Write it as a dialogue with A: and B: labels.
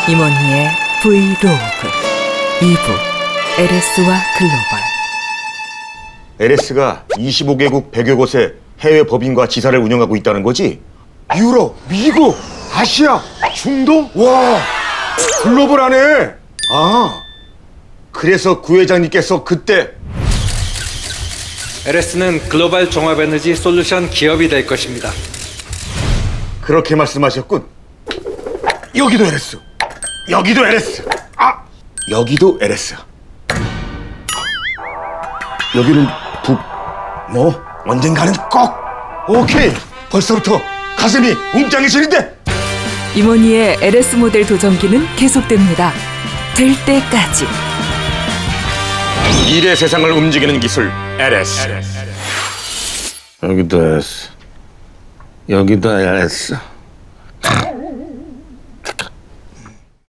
A: 임원희의 브이로그 2부 LS와 글로벌.
B: LS가 25개국 100여 곳에 해외 법인과 지사를 운영하고 있다는 거지? 유럽, 미국, 아시아, 중동? 와, 글로벌하네. 아, 그래서 구회장님께서 그때
C: LS는 글로벌 종합에너지 솔루션 기업이 될 것입니다.
B: 그렇게 말씀하셨군. 여기도 LS, 여기도 LS, 아, 여기도 LS. 여기는 북, 뭐 언젠가는 꼭. 오케이, 벌써부터 가슴이 웅장해지는데.
A: 임원희의 LS 모델 도전기는 계속됩니다. 될 때까지.
B: 미래 세상을 움직이는 기술 LS. 여기도 LS, 여기도 LS.